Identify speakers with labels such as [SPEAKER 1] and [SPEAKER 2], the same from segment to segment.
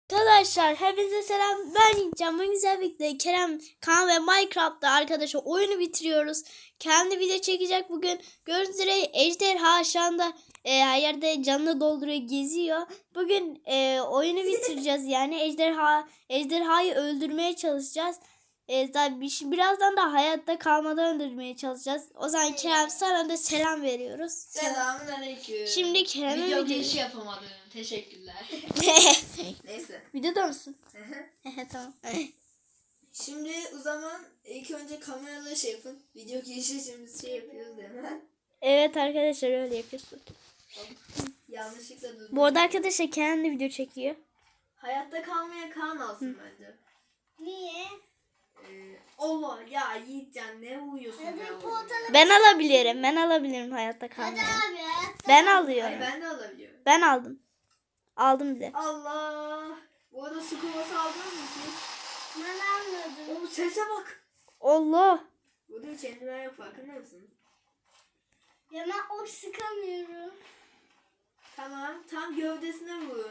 [SPEAKER 1] Arkadaşlar hepinize selam. Ben Can. Bugün güzel birlikte Kerem, Kaan ve Minecraft'ta arkadaşlar oyunu bitiriyoruz. Kendi video çekecek bugün. Gördüğünüz üzere ejderha şu anda her yerde canını dolduruyor, geziyor. Bugün oyunu bitireceğiz yani ejderhayı öldürmeye çalışacağız. Birazdan da hayatta kalmadan öldürmeye çalışacağız. O zaman Kerem sana da selam veriyoruz.
[SPEAKER 2] Selamünaleyküm.
[SPEAKER 1] Şimdi Kerem'e
[SPEAKER 2] video girişi yapamadım. Teşekkürler. Neyse.
[SPEAKER 1] Videoda mısın? Tamam.
[SPEAKER 2] Şimdi o zaman ilk önce kameraları şey yapın. Video girişi şimdi şey yapıyoruz değil mi?
[SPEAKER 1] Evet arkadaşlar öyle yapıyorsun.
[SPEAKER 2] Yanlışlıkla durdum.
[SPEAKER 1] Bu arada arkadaşlar kendi video çekiyor.
[SPEAKER 2] Hayatta kalmaya Kaan alsın bence.
[SPEAKER 3] Niye?
[SPEAKER 2] Allah ya Yiğitcan ne uyuyorsun ya?
[SPEAKER 1] Ben alabilirim hayatta kalmayı.
[SPEAKER 3] Hadi abi.
[SPEAKER 1] Ben
[SPEAKER 2] Hayır,
[SPEAKER 1] alıyorum.
[SPEAKER 2] ben de alabiliyorum.
[SPEAKER 1] Ben aldım. Aldım bile.
[SPEAKER 2] Allah. Bu arada su kovası aldınız mı siz?
[SPEAKER 3] Ben anladım.
[SPEAKER 2] Oğlum sese bak.
[SPEAKER 1] Allah.
[SPEAKER 2] Burada hiç endiler yok, farkında mısın?
[SPEAKER 3] Ya ben ok sıkamıyorum.
[SPEAKER 2] Tamam, tam gövdesine vurun.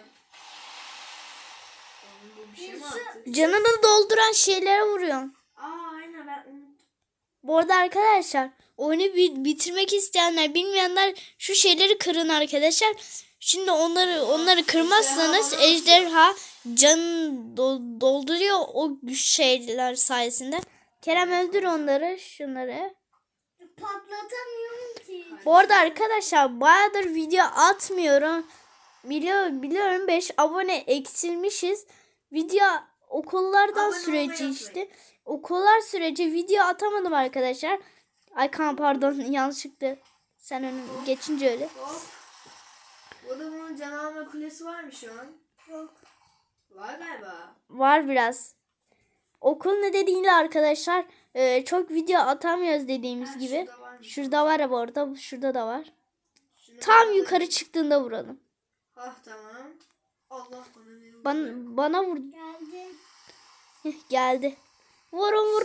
[SPEAKER 2] Oğlum bu bir şey mi attı?
[SPEAKER 1] Canını dolduran şeylere vuruyorsun.
[SPEAKER 2] Aynen ben unuttum.
[SPEAKER 1] Bu arada arkadaşlar oyunu bitirmek isteyenler, bilmeyenler şu şeyleri kırın arkadaşlar. Şimdi onları kırmazsanız ejderha canını dolduruyor o güç şeyler sayesinde. Kerem öldür onları, şunları.
[SPEAKER 3] Patlatamıyorum ki.
[SPEAKER 1] Bu arada arkadaşlar bayağıdır video atmıyorum. Biliyorum 5 abone eksilmişiz. Video okullardan
[SPEAKER 2] Abone
[SPEAKER 1] süreci
[SPEAKER 2] olmayı
[SPEAKER 1] işte. Okullar süreci video atamadım arkadaşlar. Ay Kaan pardon yanlışlıkla sen önüm geçince öyle.
[SPEAKER 2] Hop. Burada bunun canavar kulesi var mı şu an?
[SPEAKER 3] Yok.
[SPEAKER 2] Var galiba.
[SPEAKER 1] Var biraz. Okul nedeniyle arkadaşlar çok video atamıyoruz dediğimiz
[SPEAKER 2] Ha,
[SPEAKER 1] gibi.
[SPEAKER 2] şurada varmış.
[SPEAKER 1] Şurada var bu arada, şurada da var.
[SPEAKER 2] Şunu
[SPEAKER 1] Tam
[SPEAKER 2] alalım.
[SPEAKER 1] yukarı çıktığında vuralım.
[SPEAKER 2] Tamam. Allah
[SPEAKER 1] Bana vur.
[SPEAKER 3] Geldi.
[SPEAKER 1] Geldi. Vurun.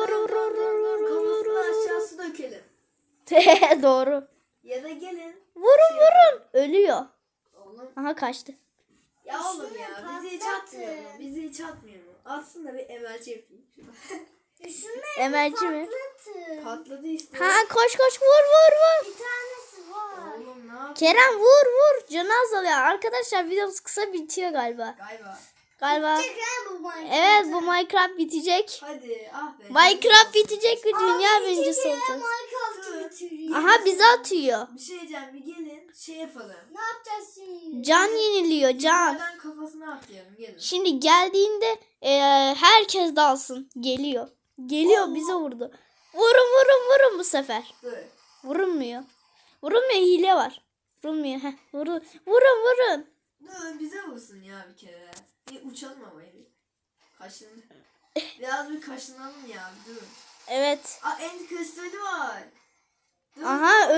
[SPEAKER 2] Kafasını aşağısı dökelim.
[SPEAKER 1] Doğru.
[SPEAKER 2] Ya da gelin.
[SPEAKER 1] Vurun. Ölüyor.
[SPEAKER 2] Oğlum.
[SPEAKER 1] Aha kaçtı.
[SPEAKER 2] Ya oğlum ya
[SPEAKER 3] Şunu
[SPEAKER 2] bizi hiç
[SPEAKER 3] patlatın.
[SPEAKER 2] atmıyor mu? Bizi hiç atmıyor mu? Atsın da bir emelci yapayım.
[SPEAKER 3] Şunu
[SPEAKER 1] Emelci mi?
[SPEAKER 3] patlatın.
[SPEAKER 2] Patladı işte.
[SPEAKER 1] Ha koş vur.
[SPEAKER 3] Bir tanesi var.
[SPEAKER 2] Oğlum ne yapıyorsun?
[SPEAKER 1] Kerem vur. Canı azalıyor. Arkadaşlar videomuz kısa bitiyor galiba.
[SPEAKER 2] Galiba.
[SPEAKER 3] Çek ha bu Minecraft.
[SPEAKER 1] Evet bu Minecraft bitecek.
[SPEAKER 2] Hadi be.
[SPEAKER 1] Minecraft bitecek ve dünya
[SPEAKER 3] Abi,
[SPEAKER 1] birincisi
[SPEAKER 3] çek ya,
[SPEAKER 1] olacağız.
[SPEAKER 3] Minecraft'ı bitiriyor.
[SPEAKER 1] Aha bizi atıyor.
[SPEAKER 2] Bir şey diyeceğim, bir gelin şey yapalım.
[SPEAKER 3] Ne yapacağız şimdi?
[SPEAKER 1] Can yeniliyor can.
[SPEAKER 2] Yukarıdan kafasına atlayalım, gelin.
[SPEAKER 1] Şimdi geldiğinde herkes dalsın. Geliyor bize vurdu. Vurun bu sefer.
[SPEAKER 2] Dur.
[SPEAKER 1] Vurulmuyor. Hile var. Vurulmuyor. Vurun.
[SPEAKER 2] Dur bize vursun ya bir kere. Bir uçalım ama bir. Kaşın. Biraz bir kaşınalım ya, dur.
[SPEAKER 1] Evet.
[SPEAKER 2] End kristali var. Dur.
[SPEAKER 1] Aha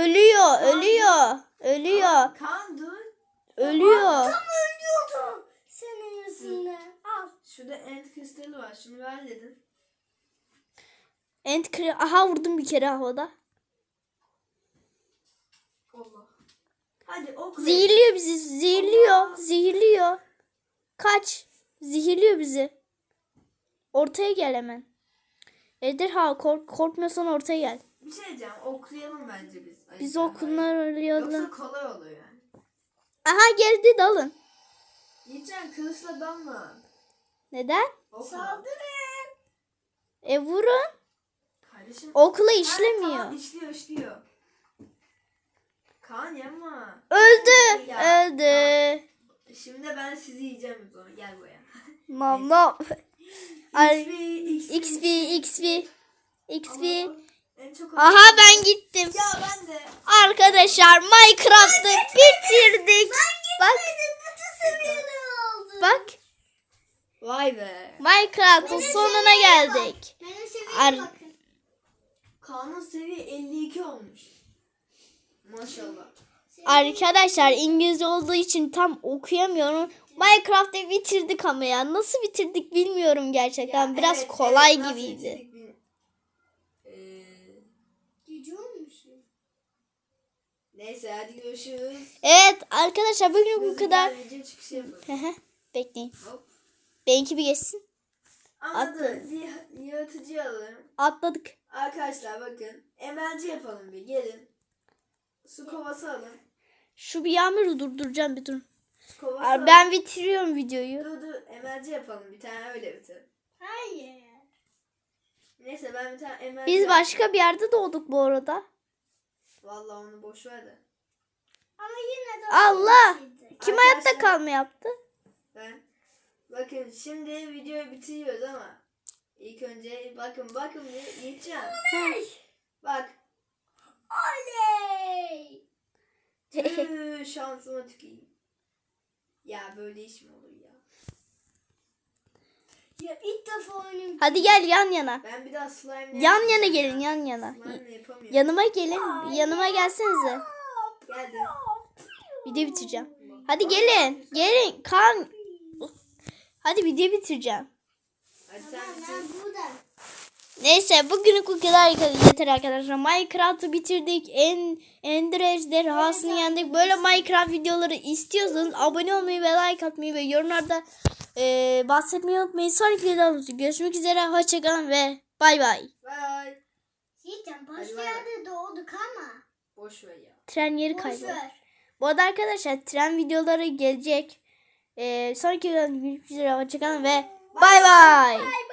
[SPEAKER 1] ölüyor.
[SPEAKER 2] Kaan dur.
[SPEAKER 1] Ölüyor.
[SPEAKER 3] Tam ölüyordu. Senin yüzünden. Al.
[SPEAKER 2] Şurada end kristali var, şunu ver dedim.
[SPEAKER 1] Aha vurdum bir kere havada.
[SPEAKER 2] Allah. Hadi ok.
[SPEAKER 1] Zehirliyor bizi. Zehirliyor. Kaç. Zehirliyor bizi. Ortaya gel hemen. Ejderha korkmuyorsan ortaya gel.
[SPEAKER 2] Bir şey diyeceğim, oklayalım bence biz.
[SPEAKER 1] Biz okullar
[SPEAKER 2] Yoksa kolay oluyor yani.
[SPEAKER 1] Aha geldi dalın.
[SPEAKER 2] Yiğitcan kılıçla dalma.
[SPEAKER 1] Neden?
[SPEAKER 2] Okla.
[SPEAKER 3] Saldırın.
[SPEAKER 1] Vurun.
[SPEAKER 2] Kardeşim.
[SPEAKER 1] Okula işlemiyor.
[SPEAKER 2] Tamam, işliyor. Kaan yapma.
[SPEAKER 1] Öldü.
[SPEAKER 2] Ya.
[SPEAKER 1] Öldü.
[SPEAKER 2] Şimdi ben sizi yiyeceğim o zaman. Gel buraya.
[SPEAKER 1] Mama. Ay,
[SPEAKER 2] XP.
[SPEAKER 1] XP.
[SPEAKER 2] En çok
[SPEAKER 1] Aha ben gittim.
[SPEAKER 2] Ya ben de.
[SPEAKER 1] Arkadaşlar Minecraft'ı bitirdik. Bak.
[SPEAKER 3] Bütün seviyeler oldu.
[SPEAKER 1] Bak.
[SPEAKER 2] Vay be.
[SPEAKER 1] Minecraft'ın sonuna geldik.
[SPEAKER 3] Benim
[SPEAKER 1] Ar-
[SPEAKER 3] seviyeme bakın.
[SPEAKER 2] Kaan'ın seviye 52 olmuş. Maşallah.
[SPEAKER 1] Arkadaşlar İngilizce olduğu için tam okuyamıyorum. Minecraft'ı bitirdik ama ya. Nasıl bitirdik bilmiyorum gerçekten.
[SPEAKER 2] Ya
[SPEAKER 1] Biraz
[SPEAKER 2] evet,
[SPEAKER 1] kolay
[SPEAKER 2] nasıl
[SPEAKER 1] gibiydi.
[SPEAKER 2] bitirdik
[SPEAKER 3] Gece olmuş.
[SPEAKER 2] Neyse hadi görüşürüz.
[SPEAKER 1] Evet arkadaşlar bugün bu kadar.
[SPEAKER 2] Video çıkışı yapalım.
[SPEAKER 1] Bekleyin.
[SPEAKER 2] Hop.
[SPEAKER 1] Benimki bir geçsin.
[SPEAKER 2] Ama
[SPEAKER 1] Atla.
[SPEAKER 2] dur bir yaratıcı alalım.
[SPEAKER 1] Atladık.
[SPEAKER 2] Arkadaşlar bakın. Emelci yapalım bir gelin. Su kovası alın.
[SPEAKER 1] Şu bir yağmuru durduracağım bir dur.
[SPEAKER 2] Su kovası
[SPEAKER 1] Abi
[SPEAKER 2] alın.
[SPEAKER 1] ben bitiriyorum videoyu.
[SPEAKER 2] Dur emelci yapalım bir tane öyle bitir.
[SPEAKER 3] Hayır.
[SPEAKER 2] Neyse ben bir tane emelci
[SPEAKER 1] Biz
[SPEAKER 2] yaptım.
[SPEAKER 1] başka bir yerde doğduk bu arada.
[SPEAKER 2] Vallahi onu boş ver de.
[SPEAKER 3] Ama yine de
[SPEAKER 1] Allah!
[SPEAKER 3] bitirdik.
[SPEAKER 1] Kim
[SPEAKER 2] Arkadaşlar-
[SPEAKER 1] hayatta kalma yaptı?
[SPEAKER 2] Ben. Bakın şimdi videoyu bitiriyoruz ama ilk önce bakın bir yiyeceğim. Bak.
[SPEAKER 3] Oley!
[SPEAKER 2] Şansıma tükeyim. Ya böyle iş mi olur ya?
[SPEAKER 3] Ya ilk defa oyunum.
[SPEAKER 1] Hadi gel yan yana.
[SPEAKER 2] Ben bir daha slime
[SPEAKER 1] Yan yana gelin yan yana.
[SPEAKER 2] Slime yapamıyorum.
[SPEAKER 1] Yanıma gelin. Yanıma gelsenize.
[SPEAKER 2] Geldim.
[SPEAKER 1] Video bitireceğim. Hadi gelin. Gelin. Kan. Hadi video bitireceğim.
[SPEAKER 2] Hadi sen
[SPEAKER 3] Ben
[SPEAKER 2] bitir.
[SPEAKER 3] burada.
[SPEAKER 1] Neyse bugünlük bu kadar yeter arkadaşlar. Minecraft'ı bitirdik. Ender ejderhasını yendik. Böyle Minecraft videoları istiyorsanız abone olmayı ve like atmayı ve yorumlarda bahsetmeyi unutmayın. Sonraki videomuzda görüşmek üzere. Hoşçakalın ve bay bay.
[SPEAKER 2] Bye.
[SPEAKER 3] Yiğit'im
[SPEAKER 2] Hadi
[SPEAKER 3] başka
[SPEAKER 2] bay bay.
[SPEAKER 3] yerde doğduk ama.
[SPEAKER 2] Boş ver ya.
[SPEAKER 1] Tren yeri
[SPEAKER 3] Boş
[SPEAKER 1] kayboldu.
[SPEAKER 3] ver.
[SPEAKER 1] Bu arada arkadaşlar tren videoları gelecek. Sonraki videomuzda görüşmek üzere. Hoşçakalın ve bay bay.
[SPEAKER 3] Bay